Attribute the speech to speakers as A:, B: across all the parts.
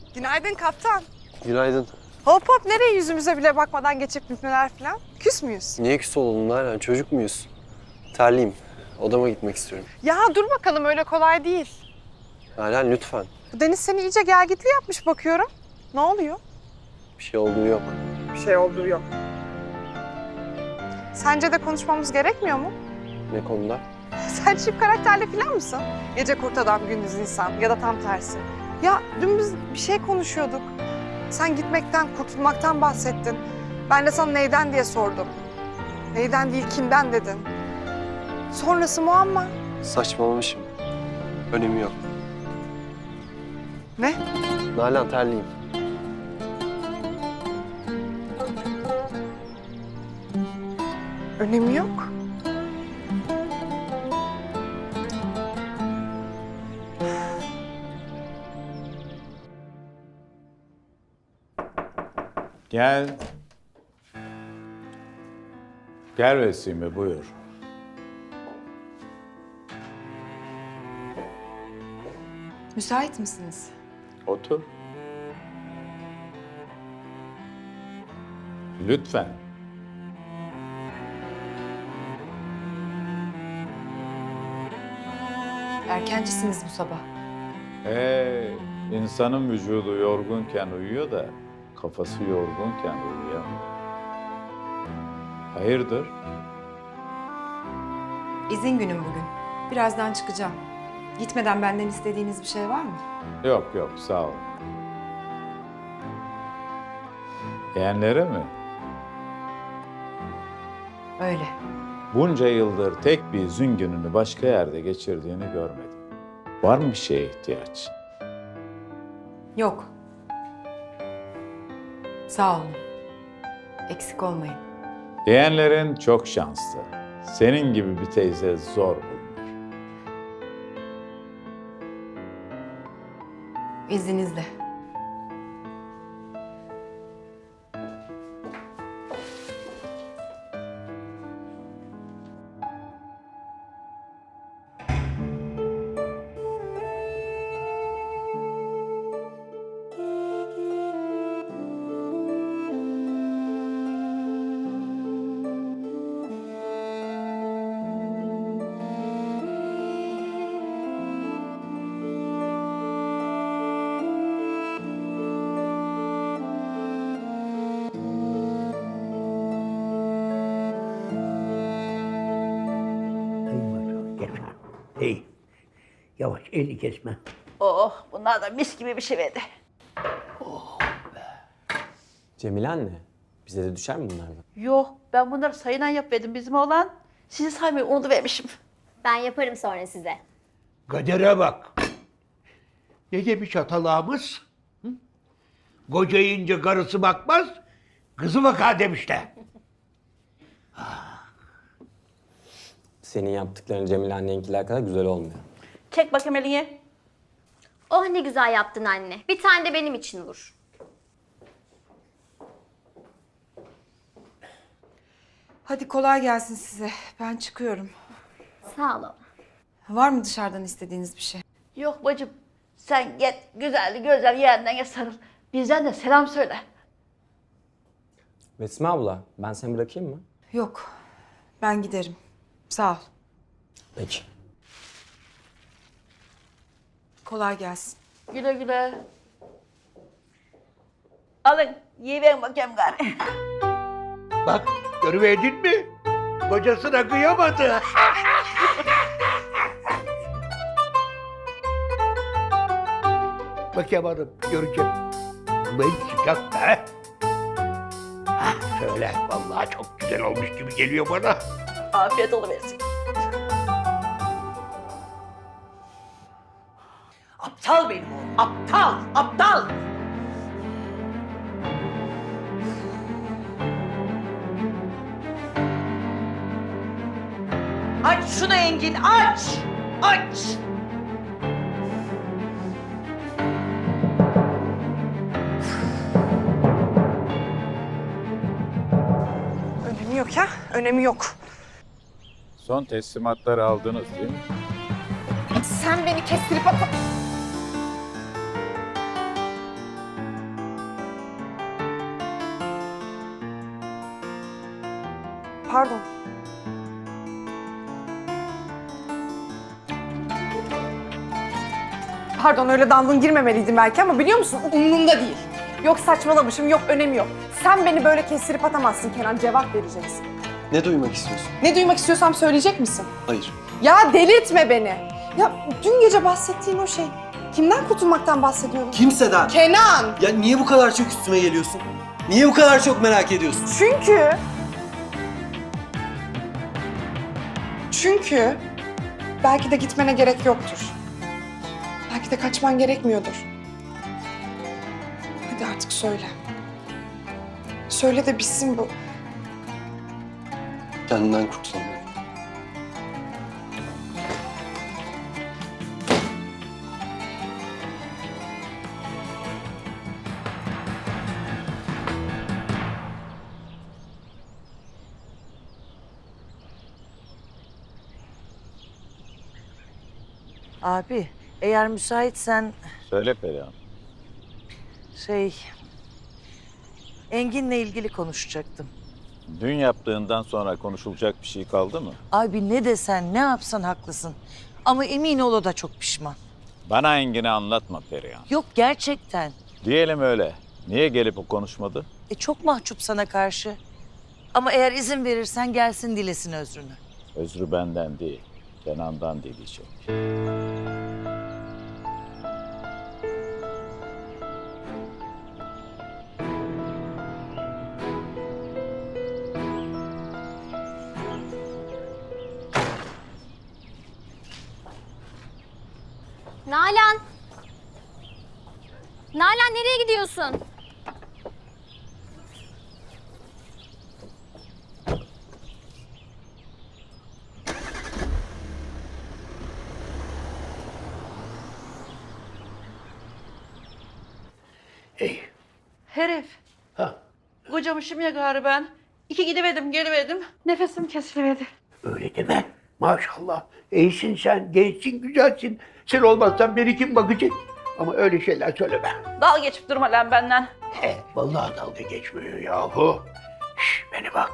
A: Günaydın kaptan.
B: Günaydın.
A: Hop hop, nereye yüzümüze bile bakmadan geçip gitmeler falan? Küs müyüz?
B: Niye küs olalım Nalan? Çocuk muyuz? Terliyim. Odama gitmek istiyorum.
A: Ya dur bakalım, öyle kolay değil.
B: Nalan lütfen.
A: Bu Deniz seni iyice gelgitli yapmış bakıyorum. Ne oluyor?
B: Bir şey olduğu yok.
A: Bir şey olduğu yok. Sence de konuşmamız gerekmiyor mu?
B: Ne konuda?
A: Sen çift karakterli falan mısın? Gece kurt adam, gündüz insan ya da tam tersi. Ya dün biz bir şey konuşuyorduk. Sen gitmekten, kurtulmaktan bahsettin. Ben de sana neyden diye sordum. Neyden değil, kimden dedin. Sonrası muamma.
B: Saçmalamışım. Önemi yok.
A: Ne?
B: Nalan terliyim.
A: Önemi yok.
C: Gel. Gel Vesime, buyur.
D: Müsait misiniz?
C: Otur. Lütfen.
D: Erkencisiniz bu sabah.
C: İnsanın vücudu yorgunken uyuyor da kafası yorgunken uyuyamıyor. Hayırdır?
D: İzin günüm bugün. Birazdan çıkacağım. Gitmeden benden istediğiniz bir şey var mı?
C: Yok yok, sağ ol. Yeğenlere mi?
D: Öyle.
C: Bunca yıldır tek bir izin gününü başka yerde geçirdiğini görmedim. Var mı bir şeye ihtiyaç?
D: Yok. Sağ olun. Eksik olmayın.
C: Yeğenlerin çok şanslı. Senin gibi bir teyze zor bulunur.
D: İzninizle.
E: Hey maşallah, kesme. Hey, yavaş, elini kesme.
F: Oh, bunlar da mis gibi bir şey verdi.
G: Cemile anne, bize de düşer mi bunlardan?
F: Yok, ben bunları sayılan yapmadım bizim oğlan. Sizi saymayı unutuvermişim.
H: Ben yaparım sonra size.
E: Kadere bak. Ne demiş atalarımız? Hı? Koca yiyince karısı bakmaz, kızı bakar demişler.
G: Senin yaptıkların Cemile annenkiler kadar güzel olmuyor.
F: Çek bakayım elini.
H: Oh ne güzel yaptın anne. Bir tane de benim için vur.
D: Hadi kolay gelsin size. Ben çıkıyorum.
H: Sağ ol.
D: Var mı dışarıdan istediğiniz bir şey?
F: Yok bacım, sen git güzelli güzel yerine sarıl. Bizden de selam söyle.
G: Besme abla, ben seni bırakayım mı?
D: Yok. Ben giderim. Sağ ol.
G: Peki.
D: Kolay gelsin.
F: Güle güle. Alın, yiyiverin bakayım gari.
E: Bak, görüverdin mi? Kocasına kıyamadı. Bakayım hanım, göreceğim. Ulan sıcak be. Söyle, vallahi çok güzel olmuş gibi geliyor bana.
F: Afiyet oluversin.
I: Aptal benim oğlum, aptal, aptal! Aç şunu Engin, aç! Aç!
A: Önemi yok ya, önemi yok.
C: Son teslimatları aldınız değil mi?
A: Sen beni kestirip pardon. Pardon, öyle dandun girmemeliydim belki ama biliyor musun? Umurumda değil. Yok saçmalamışım, yok önemi yok. Sen beni böyle kestirip atamazsın Kenan, cevap vereceksin.
B: Ne duymak istiyorsun?
A: Ne duymak istiyorsam söyleyecek misin?
B: Hayır.
A: Ya delirtme beni. Ya dün gece bahsettiğin o şey, kimden kurtulmaktan bahsediyorum?
B: Kimseden.
A: Kenan!
B: Ya niye bu kadar çok üstüme geliyorsun? Niye bu kadar çok merak ediyorsun?
A: Çünkü belki de gitmene gerek yoktur. Belki de kaçman gerekmiyordur. Hadi artık söyle. Söyle de bitsin bu.
B: Kendinden kurtulamıyorum.
I: Abi eğer müsaitsen
C: Söyle Perihan.
I: Engin'le ilgili konuşacaktım.
C: Dün yaptığından sonra konuşulacak bir şey kaldı mı?
I: Abi ne desen ne yapsan haklısın. Ama emin ol o da çok pişman.
C: Bana Engin'i anlatma Perihan.
I: Yok gerçekten.
C: Diyelim öyle. Niye gelip o konuşmadı?
I: Çok mahcup sana karşı. Ama eğer izin verirsen gelsin dilesin özrünü.
C: Özrü benden değil, Kenan'dan dileyecek.
H: Nalan! Nalan nereye gidiyorsun?
E: Ey.
I: Herif.
E: Ha,
I: Kocamışım ya gari ben. İki gidemedim gelemedim. Nefesim kesilmedi.
E: öyle deme. Maşallah. İyisin sen, gençsin, güzelsin. Sen olmazsan beni kim bakacak? Ama öyle şeyler söyleme.
I: Dal geçip durma lan benden.
E: Vallahi dalga geçmiyor yahu. Şş, beni bak.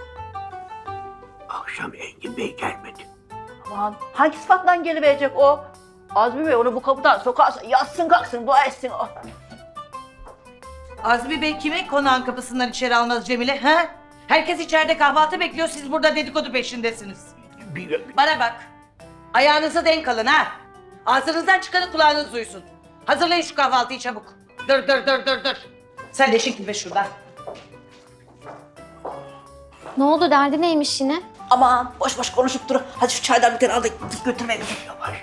E: Akşam Engin Bey gelmedi.
F: Aman hangi sıfatla geliverecek o? Azmi Bey onu bu kapıdan sokarsa yatsın kalksın dua etsin o.
I: Azmi Bey kimi konağın kapısından içeri almaz Cemile ha? Herkes içeride kahvaltı bekliyor, siz burada dedikodu peşindesiniz. Bana bak, ayağınıza denk alın ha. Ağzınızdan çıkanı kulağınız duysun. Hazırlayın şu kahvaltıyı çabuk. Dur. Sen de çekil be şuradan.
H: Ne oldu, derdi neymiş yine?
F: Aman boş boş konuşup durun. Hadi şu çaydan bir tane al da git götürme beni.
E: Yavaş.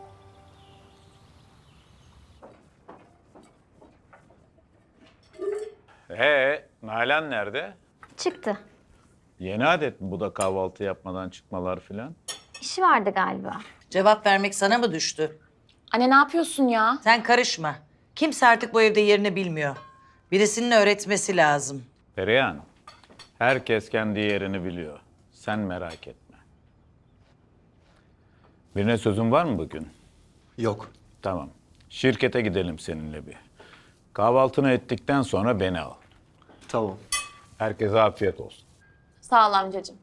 C: Nalan nerede?
H: Çıktı.
C: Yeni adet mi bu da kahvaltı yapmadan çıkmalar filan?
H: İşi vardı galiba.
I: Cevap vermek sana mı düştü?
H: Anne ne yapıyorsun ya?
I: Sen karışma. Kimse artık bu evde yerini bilmiyor. Birisinin öğretmesi lazım.
C: Perihan, herkes kendi yerini biliyor. Sen merak etme. Birine sözün var mı bugün?
B: Yok.
C: Tamam. Şirkete gidelim seninle bir. Kahvaltını ettikten sonra beni al.
B: Tamam.
C: Herkese afiyet olsun.
H: Sağ ol amcacığım.